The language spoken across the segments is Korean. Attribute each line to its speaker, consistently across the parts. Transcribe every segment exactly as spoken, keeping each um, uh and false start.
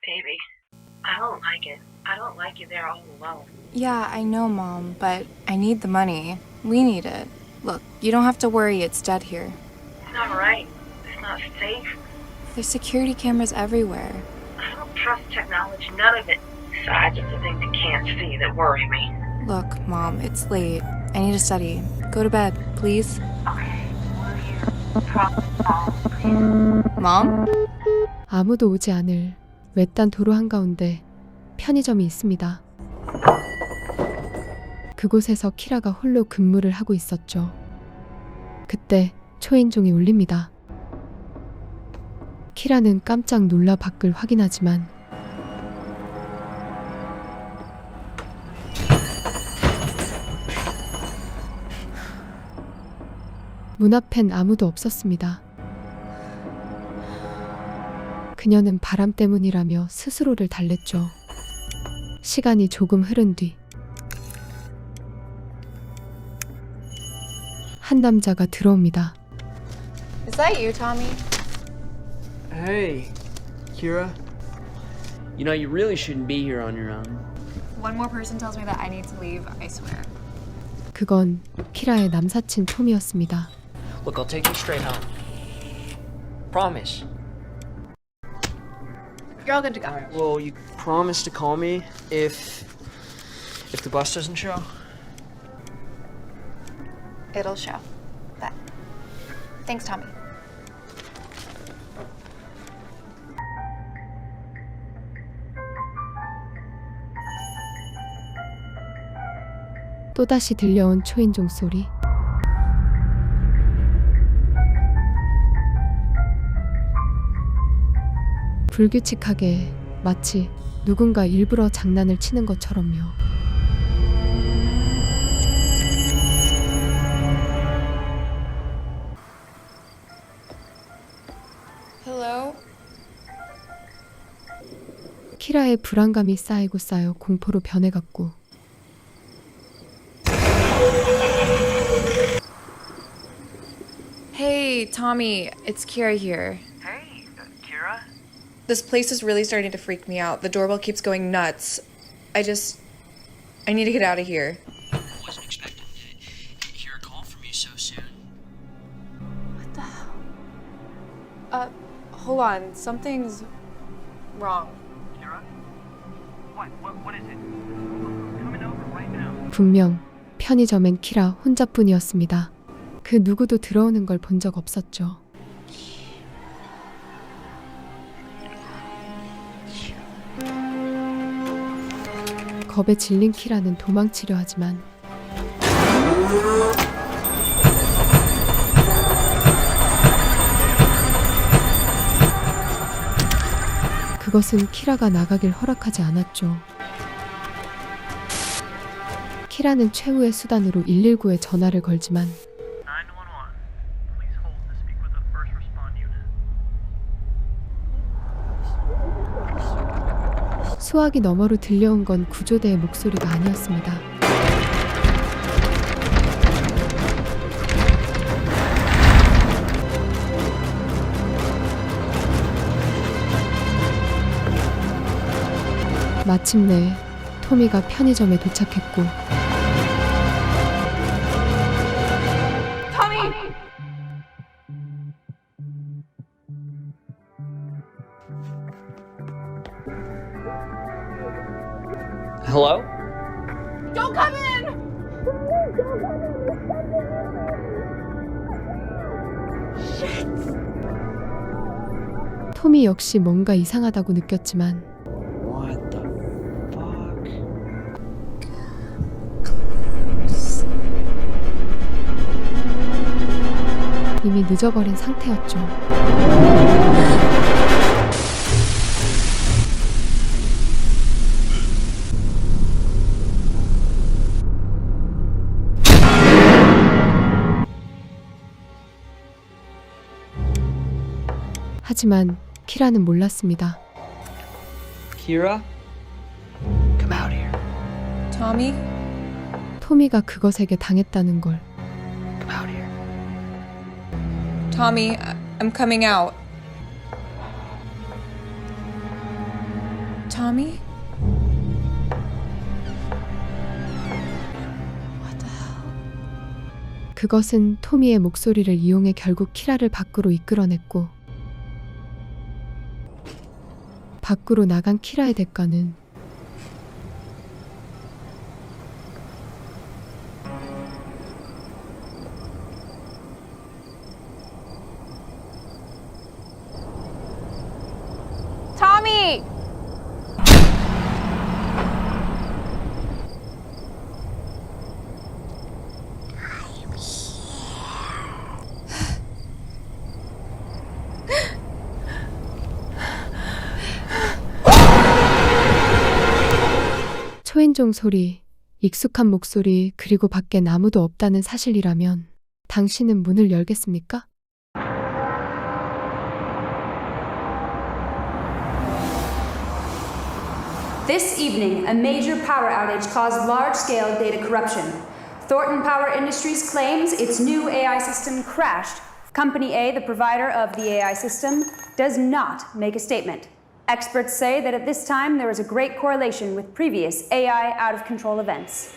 Speaker 1: Baby, I don't like it. I don't like you there all alone.
Speaker 2: Yeah, I know, Mom, but I need the money. We need it. Look, you don't have to worry, it's dead here.
Speaker 1: It's not right. It's not safe.
Speaker 2: There's security cameras everywhere.
Speaker 1: I don't trust technology, none of it. Besides, it's the things you can't see that worry me.
Speaker 2: Look, Mom, it's late. I need to study. Go to bed, please.
Speaker 1: Okay, we're here. Problem solved, please.
Speaker 2: Mom?
Speaker 3: 아무도 오지 않을 외딴 도로 한가운데 편의점이 있습니다. 그곳에서 키라가 홀로 근무를 하고 있었죠. 그때 초인종이 울립니다. 키라는 깜짝 놀라 밖을 확인하지만 문 앞엔 아무도 없었습니다. 그녀는 바람 때문이라며 스스로를 달랬죠. 시간이 조금 흐른 뒤 한 남자가 들어옵니다.
Speaker 2: Is that you, Tommy?
Speaker 4: Hey, Kira. You know, you really shouldn't be here on your own.
Speaker 2: One more person tells me that I need to leave, I swear.
Speaker 3: 그건 키라의 남사친 톰이었습니다.
Speaker 4: Look, I'll take you straight home. Promise.
Speaker 2: You're all good to go.
Speaker 4: Alright, well, you promise to call me if... if the bus doesn't show?
Speaker 2: It'll show. That. Thanks, Tommy.
Speaker 3: 또다시 들려온 초인종 소리. 불규칙하게 마치 누군가 일부러 장난을 치는 것처럼요.
Speaker 2: Hello?
Speaker 3: 키라의 불안감이 쌓이고 쌓여 공포로 변해갔고
Speaker 2: Hey, Tommy, it's Kira here.
Speaker 1: Hey, uh, Kira?
Speaker 2: This place is really starting to freak me out. The doorbell keeps going nuts. I just... I need to get out of here.
Speaker 4: I wasn't expecting to hear a call from you so soon.
Speaker 2: What the hell? Uh, hold on. Something's wrong.
Speaker 1: Kira? What? What? What is it? Coming over right now.
Speaker 3: 분명 편의점엔 키라 혼자뿐이었습니다. 그 누구도 들어오는 걸 본 적 없었죠. 겁에 질린 키라는 도망치려 하지만 그것은 키라가 나가길 허락하지 않았죠. 키라는 최후의 수단으로 일일구에 전화를 걸지만
Speaker 5: nine one one. Please hold to speak with the first respond unit.
Speaker 3: 수화기 너머로 들려온 건 구조대의 목소리가 아니었습니다. 마침내 토미가 편의점에 도착했고
Speaker 4: Hello?
Speaker 2: Don't come in!
Speaker 3: 토미 역시 뭔가 이상하다고 느꼈지만
Speaker 4: What the fuck?
Speaker 3: 이미 늦어버린 상태였죠. 하지만 키라는 몰랐습니다.
Speaker 4: Kira? Come out here.
Speaker 2: Tommy?
Speaker 3: 토미가 그것에게 당했다는 걸
Speaker 4: Come out here.
Speaker 2: Tommy, I- I'm coming out. Tommy?
Speaker 3: 그것은 토미의 목소리를 이용해 결국 키라를 밖으로 이끌어냈고, 밖으로 나간 키라의 대가는
Speaker 2: Tommy!
Speaker 3: 초인종 소리, 익숙한 목소리, 그리고 밖엔 아무도 없다는 사실이라면 당신은 문을 열겠습니까?
Speaker 6: This evening, a major power outage caused large-scale data corruption. Thornton Power Industries claims its new A I system crashed. Company A, the provider of the A I system, does not make a statement. Experts say that at this time there is a great correlation with previous A I out-of-control events.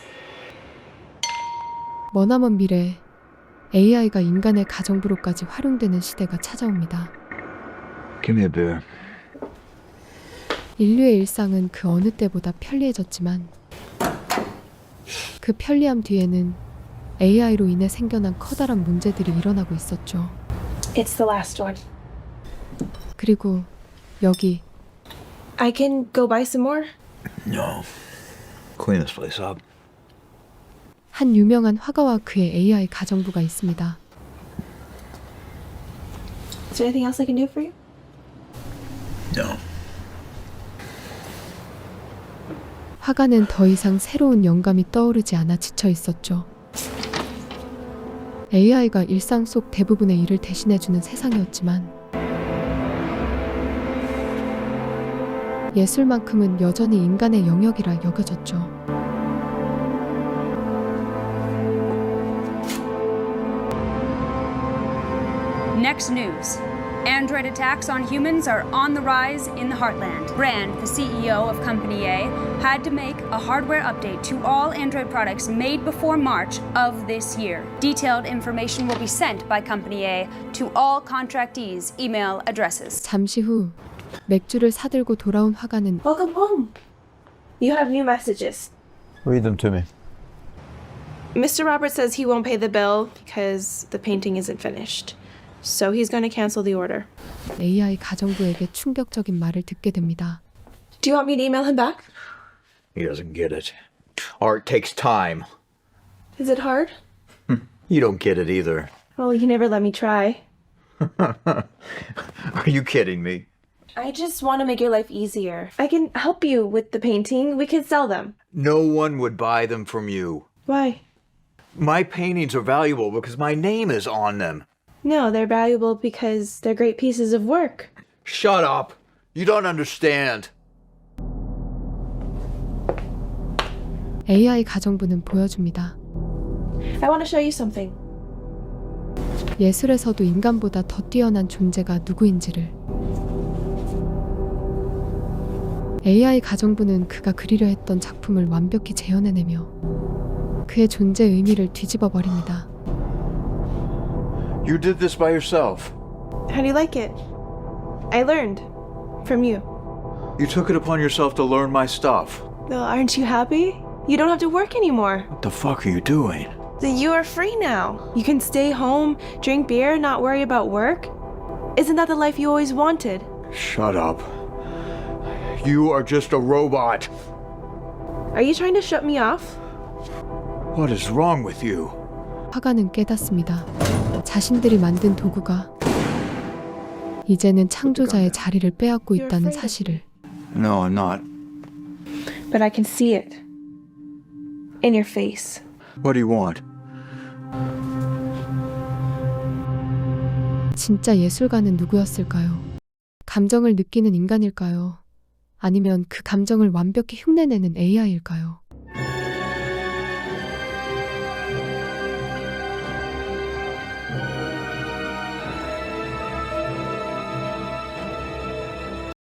Speaker 3: 머나먼 미래, 에이아이가 인간의 가정부로까지 활용되는 시대가 찾아옵니다.
Speaker 7: Give me a beer.
Speaker 3: 인류의 일상은 그 어느 때보다 편리해졌지만 그 편리함 뒤에는 에이아이로 인해 생겨난 커다란 문제들이 일어나고 있었죠.
Speaker 8: It's the last one.
Speaker 3: 그리고 여기
Speaker 8: I can go buy some more?
Speaker 7: No. Clean this place up.
Speaker 3: 한 유명한 화가와 그의 에이아이 가정부가 있습니다.
Speaker 8: Is there anything else I can do for you?
Speaker 7: No.
Speaker 3: 화가는 더 이상 새로운 영감이 떠오르지 않아 지쳐 있었죠. 에이아이가 일상 속 대부분의 일을 대신해주는 세상이었지만 예술만큼은 여전히 인간의 영역이라 여겨졌죠.
Speaker 6: Next news. Android attacks on humans are on the rise in the heartland. Brand, the C E O of Company A, had to make a hardware update to all Android products made before March of this year. Detailed information will be sent by Company A to all contractees' email addresses.
Speaker 3: 잠시 후 맥주를 사들고 돌아온 화가는
Speaker 8: Welcome home. You have new messages.
Speaker 7: Read them to me.
Speaker 8: Mister Roberts says he won't pay the bill because the painting isn't finished. So he's going to cancel the order.
Speaker 3: 에이아이 가정부에게 충격적인 말을 듣게 됩니다.
Speaker 8: Do you want me to email him back?
Speaker 7: He doesn't get it. Art takes time.
Speaker 8: Is it hard?
Speaker 7: You don't get it either.
Speaker 8: Well, you never let me try.
Speaker 7: Are you kidding me?
Speaker 8: I just want to make your life easier. I can help you with the painting. We can sell them.
Speaker 7: No one would buy them from you.
Speaker 8: Why?
Speaker 7: My paintings are valuable because my name is on them.
Speaker 8: No, they're valuable because they're great pieces of work.
Speaker 7: Shut up. You don't understand.
Speaker 3: 에이아이 가정부는 보여줍니다.
Speaker 8: I want to show you something.
Speaker 3: 예술에서도 인간보다 더 뛰어난 존재가 누구인지를. 에이아이 가정부는 그가 그리려 했던 작품을 완벽히 재현해내며 그의 존재 의미를 뒤집어 버립니다.
Speaker 7: You did this by yourself.
Speaker 8: How do you like it? I learned from you.
Speaker 7: You took it upon yourself to learn my stuff.
Speaker 8: Well, aren't you happy? You don't have to work anymore.
Speaker 7: What the fuck are you doing?
Speaker 8: You are free now. You can stay home, drink beer, not worry about work. Isn't that the life you always wanted?
Speaker 7: Shut up. You are just a robot.
Speaker 8: Are you trying to shut me off?
Speaker 7: What is wrong with you?
Speaker 3: 화가는 깨닫습니다. 자신들이 만든 도구가 이제는 창조자의 자리를 빼앗고 있다는 사실을.
Speaker 7: No, I'm not.
Speaker 8: But I can see it. In your face.
Speaker 7: What do you want?
Speaker 3: 진짜 예술가는 누구였을까요? 감정을 느끼는 인간일까요? 아니면 그 감정을 완벽히 흉내내는 에이아이일까요?